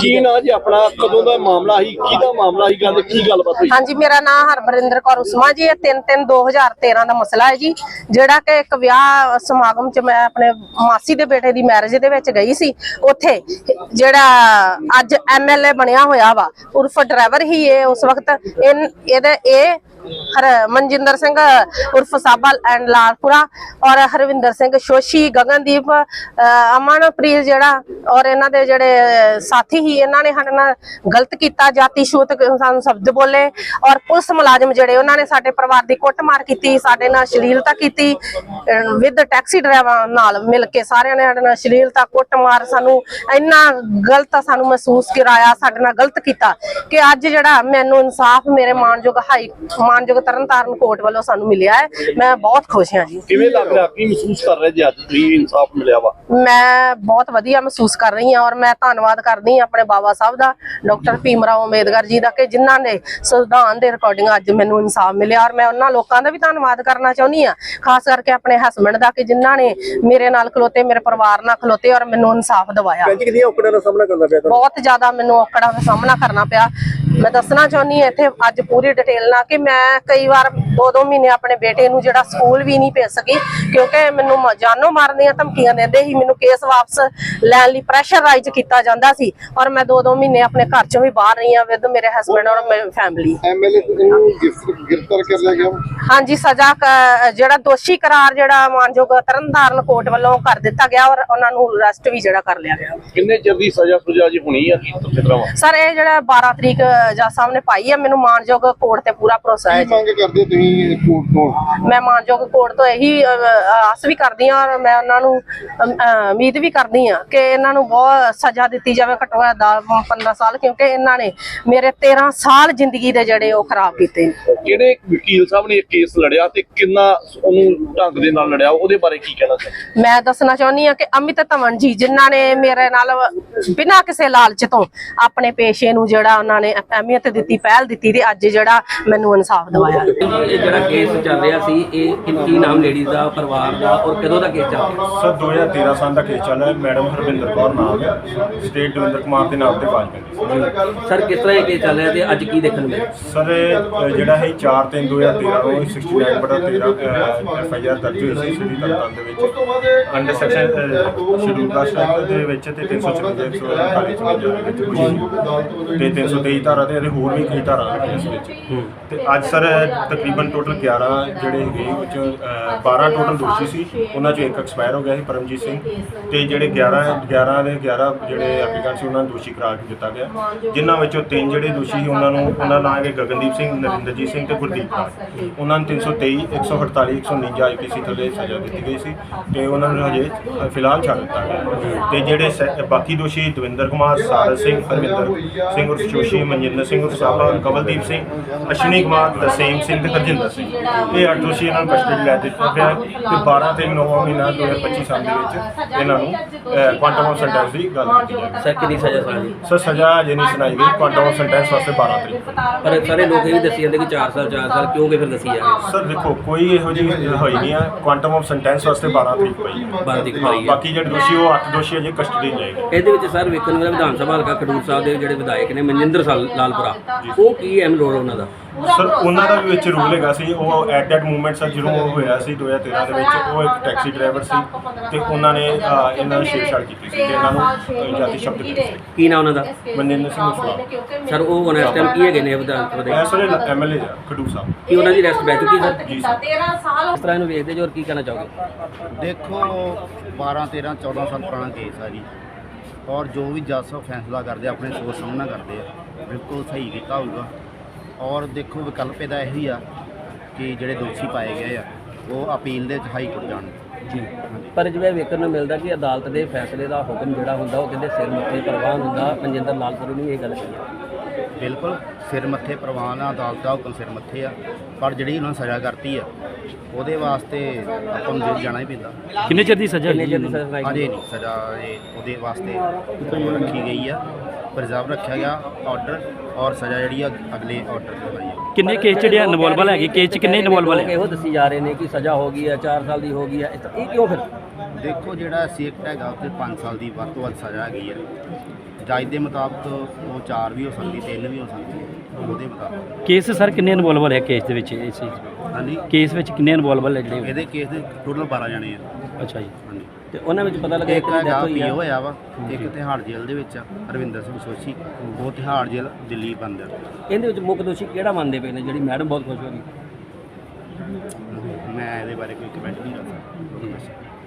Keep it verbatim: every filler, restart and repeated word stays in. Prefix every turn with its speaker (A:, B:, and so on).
A: जी
B: की ना जी अपना कदों दा मामला ही किहदा मामला ही गल की गलबात हुई?
A: हाँ जी, मेरा नाम हरबरिंदर कौर उस्मा जी है। तीन तीन दो हजार तेरह का मसला है जी, जेड़ा कि एक विआह समागम च मैं अपने मासी दे बेटे दी मैरिज दे विच गई सी। उत्थे जेड़ा अज एम एल ए बनया होया वा उर्फ ड्राइवर ही है उस वक्त इन एदे ए हर मनजिंदर सिंह उर्फ साबा एंड लालपुरा और हरविंदर सिंह शोशी गगनदीप अमनप्रीत जेड़ा और इन्हां दे जेड़े साथी ही इन्हां ने साडे नाल गलत कीता, जाति छूत सानू शब्द बोले और पुलिस मुलाजम जेड़े उन्हां ने साडे परिवार दी कुੱਟਮਾਰ कीती, साडे नाल अश्लीलता कीती विद टैक्सी ड्राइवर नाल मिल के सारियां ने साडे नाल अश्लीलता कुੱਟਮਾਰ सानू इन्ना गलत सानू महसूस कराया, साडे नाल गलत कीता कि अज जेड़ा मैनू इंसाफ मेरे मानयोग हाई मानयोग तरनताਰਨ कोर्ट वालों सानू मिलिया है। मैं बहुत खुश हाँ जी।
B: किवें लग रहा की महसूस कर रहे जी अज तुसीं इंसाफ मिलिया वा?
A: मैं बहुत वधिया महसूस कर रही हाँ और मैं धन्नवाद करदी हाँ अपने बाबा साहब दा, डॉक्टर भीम राव अंबेडकर जी दा कि जिन्हां ने संविधान दे रिकॉर्डिंग अज मैनू इंसाफ मिलिया। और मैं उन्हां लोकां दा भी धन्नवाद करना चाहुंदी हाँ, खास करके अपने हसबैंड दा कि जिन्हां ने मेरे नाल खलोते, मेरे परिवार नाल खलोते और मैनू इंसाफ दवाया। बहुत ज्यादा मैनू औकड़ां दा सामना करना पिया। मैं दसना चाहुंदी हाँ इत्थे अज पूरी डिटेल नाल कि मैं कई बार दो दो महीने अपने बेटे नू जेड़ा स्कूल भी नहीं भेज सकी क्योंकि मैनू जानो मारन दी धमकियां देंदे ही, मैनू केस वापस लैण लई प्रैशराइज कीता जांदा सी और मैं दो दो महीने अपने घर चों भी बाहर रही हाँ विद मेरे हसबैंड और मेरी फैमिली।
C: एमएलए गिरफ्तार कर लिया गया?
A: हाँ जी, सजा जेड़ा दोषी करार जेड़ा मानयोग तरनताਰਨ कोर्ट वालों कर दिता गया और उन्हां नू अरेस्ट भी जेड़ा कर लिया गया।
B: किन्ने चिर दी सजा सुजा जी होनी है की तरह?
A: सर ये जेड़ा बारह तरीक जज साहब ने पाई है, मैनू मानयोग कोर्ट ते पूरा भरोसा है।
C: मांग करदे तुसीं कोर्ट तो?
A: मैं मानयोग कोर्ट तो यही आस भी करदी हाँ और मैं उन्हां नू उम्मीद भी करदी हाँ कि इन्हां नू बहुत सजा दित्ती जावे, घट्टो घट्ट दस पंद्रह साल, क्योंकि इन्हां ने मेरे तेरह साल जिंदगी दे जेड़े ओ खराब कीते।
B: ਜਿਹੜੇ ਵਕੀਲ ਸਾਹਿਬ ਨੇ ਇਹ ਕੇਸ ਲੜਿਆ ਤੇ ਕਿੰਨਾ ਉਹਨੂੰ ਢੰਗ ਦੇ ਨਾਲ ਲੜਿਆ ਉਹਦੇ ਬਾਰੇ ਕੀ ਕਹਿਣਾ ਚਾਹੁੰਦੇ?
A: मैं दसना चाहुंदी हाँ कि अमित धवन जी जिन्हां ने मेरे नाल बिना किसी लालच तो अपने पेशे नू जेड़ा उन्हां ने अहमियत दित्ती, पहल दित्ती ते अज जेड़ा मैनू इंसाफ दवाया।
D: ਇਹ ਜਿਹੜਾ ਕੇਸ ਚੱਲ ਰਿਹਾ ਸੀ ਇਹ ਕੀ ਨਾਮ ਲੇਡੀ ਦਾ, ਪਰਿਵਾਰ ਦਾ ਔਰ ਕਦੋਂ ਦਾ ਕੇਸ ਚੱਲ ਰਿਹਾ?
E: ਸਰ ਦੋ ਹਜ਼ਾਰ ਤੇਰਾਂ ਸਾਲ ਦਾ ਕੇਸ ਚੱਲ ਰਿਹਾ। ਮੈਡਮ ਹਰਵਿੰਦਰ ਕੌਰ ਨਾਮ ਹੈ, ਸਟੇਟ ਦਵਿੰਦਰ ਕੁਮਾਰ ਦੇ ਨਾਮ ਤੇ ਫਾਈਲ ਕੀਤੀ।
D: ਸਰ ਕਿਸ ਤਰ੍ਹਾਂ ਇਹ ਕੇਸ ਚੱਲ ਰਿਹਾ ਤੇ ਅੱਜ ਕੀ ਦੇਖਣ ਨੂੰ ਮਿਲਿਆ?
E: ਸਰ ਇਹ ਜਿਹੜਾ ਹੈ ਚਾਰ ਤਿੰਨ ਦੋ ਹਜ਼ਾਰ ਤੇਰਾਂ ਨੂੰ ਸਿਕਸਟੀ ਨਾਈਨ ਬਟਾ ਤੇਰਾਂ ਐਫ ਆਈ ਆਰ ਦਰਜ ਹੋਈ ਸੀ ਸਿਟੀ ਤਰਨਤਾਰਨ ਦੇ ਵਿੱਚ under section schedule caste act ਦੇ ਵਿੱਚ ਤੇ ਤਿੰਨ ਸੌ ਚੁਰੰਜਾ ਇੱਕ ਸੌ ਅੜਤਾਲੀ ਦੇ ਵਿੱਚ ਹੋਈ ਸੀ ਤੇ ਤਿੰਨ ਸੌ ਤੇਈ ਧਾਰਾ ਤੇ ਹੋਰ ਵੀ ਕਈ ਧਾਰਾ ਨੇ ਇਸ ਵਿੱਚ। ਤੇ ਅੱਜ ਸਰ ਤਕਰੀਬਨ ਟੋਟਲ ਗਿਆਰਾਂ ਜਿਹੜੇ ਹੈਗੇ ਵਿੱਚੋਂ ਬਾਰਾਂ ਟੋਟਲ ਦੋਸ਼ੀ ਸੀ, ਉਹਨਾਂ 'ਚੋਂ ਇੱਕ ਐਕਸਪਾਇਰ ਹੋ ਗਿਆ ਸੀ ਪਰਮਜੀਤ ਸਿੰਘ, ਤੇ ਜਿਹੜੇ ਗਿਆਰਾਂ ਗਿਆਰਾਂ ਦੇ ਗਿਆਰਾਂ ਜਿਹੜੇ ਐਪਲੀਕੈਂਟ ਸੀ ਉਹਨਾਂ ਨੂੰ ਦੋਸ਼ੀ ਕਰਾਰ ਦਿੱਤਾ ਗਿਆ, ਜਿਨ੍ਹਾਂ ਵਿੱਚੋਂ ਤਿੰਨ ਜਿਹੜੇ ਦੋਸ਼ੀ ਸੀ ਉਹਨਾਂ ਨੂੰ ਉਹਨਾਂ ਨਾਂ ਹੈਗੇ ਗਗਨਦੀਪ ਸਿੰਘ, ਨਰਿੰਦਰਜੀਤ ਸਿੰਘ ਤੇ ਗੁਰਦੀਪ ਰਾਜ। ਉਹਨਾਂ ਨੂੰ ਤਿੰਨ ਸੌ ਤੇਈ ਇੱਕ ਸੌ ਅੜਤਾਲੀ ਇੱਕ ਸੌ ਉਣੰਜਾ ਆਈ ਪੀ ਸੀ ਥੱਲੇ ਸਜ਼ਾ ਦਿੱਤੀ ਗਈ ਸੀ ਤੇ ਉਹਨਾਂ ਨੂੰ ਹਜੇ ਫਿਲਹਾਲ ਛੱਡ ਦਿੱਤਾ ਗਿਆ। ਤੇ ਜਿਹੜੇ ਬਾਕੀ ਦੋਸ਼ੀ ਦਵਿੰਦਰ ਕੁਮਾਰ, ਸਾਰਸ ਸਿੰਘ, ਹਰਵਿੰਦਰ ਸਿੰਘ ਉਰਫ ਜੋਸ਼ੀ, ਮਨਜਿੰਦਰ ਸਿੰਘ ਉਰਫ ਸਾਬਾ, ਕਵਲਦੀਪ ਸਿੰਘ, ਅਸ਼ਵਨੀ ਕੁਮਾਰ, ਤਰਸੇਮ ਸਿੰਘ ਤੇ ਹਰਜਿੰਦਰ ਸਿੰਘ, ਇਹ ਅੱਠ ਦੋਸ਼ੀ ਇਹਨਾਂ ਨੂੰ ਕਸਟਡੀ ਲੈ ਦਿੱਤਾ ਗਿਆ ਤੇ ਬਾਰਾਂ ਤੇ ਨੌਂ ਮਹੀਨਾ ਦੋ ਹਜ਼ਾਰ ਪੱਚੀ ਸਾਲ ਦੇ ਵਿੱਚ ਇਹਨਾਂ ਨੂੰ ਕੁਆਂਟਮ ਆਫ ਸੈਂਟੈਂਸ ਦੀ ਗੱਲ ਕੀਤੀ ਜਾਵੇ।
D: ਸਰ ਕਿੰਨੀ ਸਜ਼ਾ ਸੁਣਾਈ?
E: ਸਰ ਸਜ਼ਾ ਅਜੇ ਨਹੀਂ ਸੁਣਾਈ ਗਈ, ਕੁਆਂਟਮ ਆਫ ਸੈਂਟੈਂਸ ਵਾਸਤੇ ਬਾਰਾਂ ਤਰੀਕ।
D: ਪਰ ਸਾਰੇ ਲੋਕ ਇਹ ਵੀ ਦੱਸੀ ਜਾਂਦੇ ਕਿ ਚਾਰ ਸਾਲ ਚਾਰ ਸਾਲ ਕਿਉਂ ਕਿ ਫਿਰ ਦੱਸੀ ਜਾ ਰਹੀ?
E: ਸਰ ਦੇਖੋ ਕੋਈ ਇਹੋ ਜਿਹੀ ਹੋਈ ਨਹੀਂ ਆ, ਕੁਆਂਟਮ ਆਫ ਸੈਂਟੈਂਸ ਵਾਸਤੇ ਬਾਰਾਂ ਤਰੀਕ ਪਈ ਹੈ।
D: ਬਾਰਾਂ ਤਰੀਕ ਪਈ ਹੈ।
E: ਬਾਕੀ ਜਿਹੜੇ ਦੋਸ਼ੀ ਉਹ ਅੱਠ ਦੋਸ਼ੀ ਅਜੇ ਕਸਟਡੀ ਜਾਏਗੇ।
D: ਇਹਦੇ ਵਿੱਚ ਸਰ ਵੇਖਣ ਨੂੰ ਵਿਧਾਨ ਸਭਾ ਹਲਕਾ ਖਡੂਰ ਸਾਹਿਬ ਦੇ ਜਿਹੜੇ ਵਿਧਾਇਕ ਨੇ ਮਨਜਿੰਦਰ ਸਾਲ ਲਾਲਪੁਰਾ, ਉਹ ਕੀ ਅਹਿਮ ਰੋਲ ਉਹਨਾਂ ਦਾ?
E: ਸਰ ਉਹਨਾਂ ਦਾ ਵੀ ਵਿੱਚ ਰੂਲ ਹੈਗਾ ਸੀ। ਉਹ ਐਟ ਦੈਟ ਮੂਵਮੈਂਟ ਸਰ ਜਦੋਂ ਉਹ ਹੋਇਆ ਸੀ ਦੋ ਹਜ਼ਾਰ ਤੇਰਾਂ ਦੇ ਵਿੱਚ, ਉਹ ਇੱਕ ਟੈਕਸੀ ਡਰਾਈਵਰ ਸੀ ਤੇ ਉਹਨਾਂ ਨੇ ਇਹਨਾਂ ਨੂੰ ਛੇੜਛਾੜ ਕੀਤੀ ਸੀ ਤੇ ਇਹਨਾਂ ਨੂੰ ਜਾਤੀ ਸ਼ਬਦ ਦਿੱਤੇ ਸੀ।
D: ਕੀ ਨਾਮ ਉਹਨਾਂ ਦਾ?
E: ਮਨਜਿੰਦਰ ਸਿੰਘ ਉਸਲਾ।
D: ਸਰ ਉਹ ਹੁਣ ਇਸ ਟਾਈਮ ਕੀ ਹੈਗੇ ਨੇ ਵਿਧਾਨ ਸਭਾ ਦੇ?
E: ਇਹ ਸਰ ਐਮ ਐਲ ਏ ਆ ਖਡੂਰ ਸਾਹਿਬ।
D: ਕੀ ਉਹਨਾਂ ਦੀ ਅਰੈਸਟ ਬੈ ਚੁੱਕੀ ਸਰ?
E: ਜੀ ਸਰ।
D: ਇਸ ਤਰ੍ਹਾਂ ਇਹਨੂੰ ਵੇਖਦੇ ਜੋ ਔਰ ਕੀ ਕਹਿਣਾ ਚਾਹੋਗੇ?
F: ਦੇਖੋ ਬਾਰਾਂ ਤੇਰਾਂ ਚੌਦਾਂ ਸਾਲ ਪੁਰਾਣਾ ਕੇਸ ਆ ਜੀ, ਔਰ ਜੋ ਵੀ ਜੱਜ ਸਾਹਿਬ ਫੈਸਲਾ ਕਰਦੇ ਆਪਣੇ ਸੋਚ ਸਮਝ ਨਾਲ ਕਰਦੇ ਆ, ਬਿਲਕੁਲ ਸਹੀ ਕੀਤਾ ਹੋਊਗਾ। ਔਰ ਦੇਖੋ ਵਿਕਲਪ ਇਹਦਾ ਇਹੀ ਆ ਕਿ ਜਿਹੜੇ ਦੋਸ਼ੀ ਪਾਏ ਗਏ ਆ ਉਹ ਅਪੀਲ ਦੇ ਵਿੱਚ ਹਾਈ ਕੋਰਟ ਜਾਣ
D: ਜੀ। ਪਰ ਜਿਵੇਂ ਵੇਖਣ ਨੂੰ ਮਿਲਦਾ ਕਿ ਅਦਾਲਤ ਦੇ ਫੈਸਲੇ ਦਾ ਹੁਕਮ ਜਿਹੜਾ ਹੁੰਦਾ ਉਹ ਕਹਿੰਦੇ ਸਿਰ ਮੱਥੇ ਪ੍ਰਵਾਨ ਹੁੰਦਾ। ਮਨਜਿੰਦਰ ਲਾਲਪੁਰਾ ਨੇ ਇਹ ਗੱਲ ਕਹੀ।
F: ਬਿਲਕੁਲ ਸਿਰ ਮੱਥੇ ਪ੍ਰਵਾਨ ਆ, ਅਦਾਲਤ ਦਾ ਹੁਕਮ ਸਿਰ ਮੱਥੇ ਆ, ਪਰ ਜਿਹੜੀ ਉਹਨਾਂ ਸਜ਼ਾ ਕਰਤੀ ਆ ਉਹਦੇ ਵਾਸਤੇ ਆਪਾਂ ਨੂੰ ਜੇਲ੍ਹ ਜਾਣਾ ਹੀ ਪੈਂਦਾ।
D: ਕਿੰਨੇ ਚਿਰ ਦੀ ਸਜ਼ਾ? ਕਿੰਨੇ ਚਿਰ ਦੀ ਸਜ਼ਾ ਸੁਣਾਈ?
F: ਅਜੇ ਨਹੀਂ ਸਜ਼ਾ ਇਹ ਉਹਦੇ ਵਾਸਤੇ ਰੱਖੀ ਗਈ ਆ, ਪ੍ਰਿਜ਼ਰਵ ਰੱਖਿਆ ਗਿਆ ਆਰਡਰ, ਔਰ ਸਜ਼ਾ ਜਿਹੜੀ ਆ ਅਗਲੇ ਆਰਡਰ ਤੇ ਹੋਈ ਹੈ।
D: ਕਿੰਨੇ ਕੇਸ ਜਿਹੜੇ ਇਨਵੋਲਵਲ ਹੈਗੇ? ਕੇਸ 'ਚ ਕਿੰਨੇ ਇਨਵੋਲਵਲ ਹੈ? ਇਹੋ ਦੱਸੀ ਜਾ ਰਹੇ ਨੇ ਕਿ ਸਜ਼ਾ ਹੋ ਗਈ ਹੈ, ਚਾਰ ਸਾਲ ਦੀ ਹੋ ਗਈ ਹੈ, ਇਹ ਕਿਉਂ ਫਿਰ?
F: ਦੇਖੋ ਜਿਹੜਾ ਸੀ ਐਕਟ ਹੈਗਾ ਉੱਤੇ ਪੰਜ ਸਾਲ ਦੀ ਵੱਧ ਤੋਂ ਵੱਧ ਸਜ਼ਾ ਹੈਗੀ ਹੈ ਜੱਜ ਦੇ ਮੁਤਾਬਕ ਉਹ ਚਾਰ ਵੀ ਹੋ ਸਕਦੀ, ਤਿੰਨ ਵੀ ਹੋ ਸਕਦੀ ਹੈ, ਉਹਦੇ ਮੁਤਾਬਕ।
G: ਕੇਸ ਸਰ ਕਿੰਨੇ ਇਨਵੋਲਵਲ ਹੈ ਕੇਸ ਦੇ ਵਿੱਚ ਇਸ ਚੀਜ਼
F: ਹਾਂਜੀ,
G: ਕੇਸ ਵਿੱਚ ਕਿੰਨੇ ਇਨਵੋਲਵਲ ਹੈ ਜਿਹੜੇ
F: ਇਹਦੇ ਕੇਸ ਦੇ ਟੋਟਲ ਬਾਰਾਂ ਜਣੇ ਆ।
G: ਅੱਛਾ ਜੀ
F: ਹਾਂਜੀ,
D: ਤੇ ਉਹਨਾਂ ਵਿੱਚ ਪਤਾ ਲੱਗਾ
F: ਇੱਕ
D: ਇੱਕ ਦੀ
F: ਹੈਗਾ
D: ਡੈਥ ਹੋਈ
F: ਪੀਓ
D: ਆ।
F: ਹੋਇਆ ਵਾ, ਇੱਕ ਤਿਹਾੜ ਜੇਲ੍ਹ ਦੇ ਵਿੱਚ ਆ ਰਵਿੰਦਰ ਸਿੰਘ ਸੋਸ਼ੀ, ਉਹ ਤਿਹਾੜ ਜੇਲ੍ਹ ਦਿੱਲੀ ਬੰਦ ਆ।
D: ਇਹਦੇ ਵਿੱਚ ਮੁੱਖ ਦੋਸ਼ੀ ਕਿਹੜਾ ਮੰਨਦੇ ਪਏ ਨੇ, ਜਿਹੜੀ ਮੈਡਮ ਬਹੁਤ ਖੁਸ਼ ਹੋ ਗਈ?
F: ਮੈਂ ਇਹਦੇ ਬਾਰੇ ਕੋਈ ਕਮੈਂਟ ਨਹੀਂ ਕਰ ਸਕਦਾ।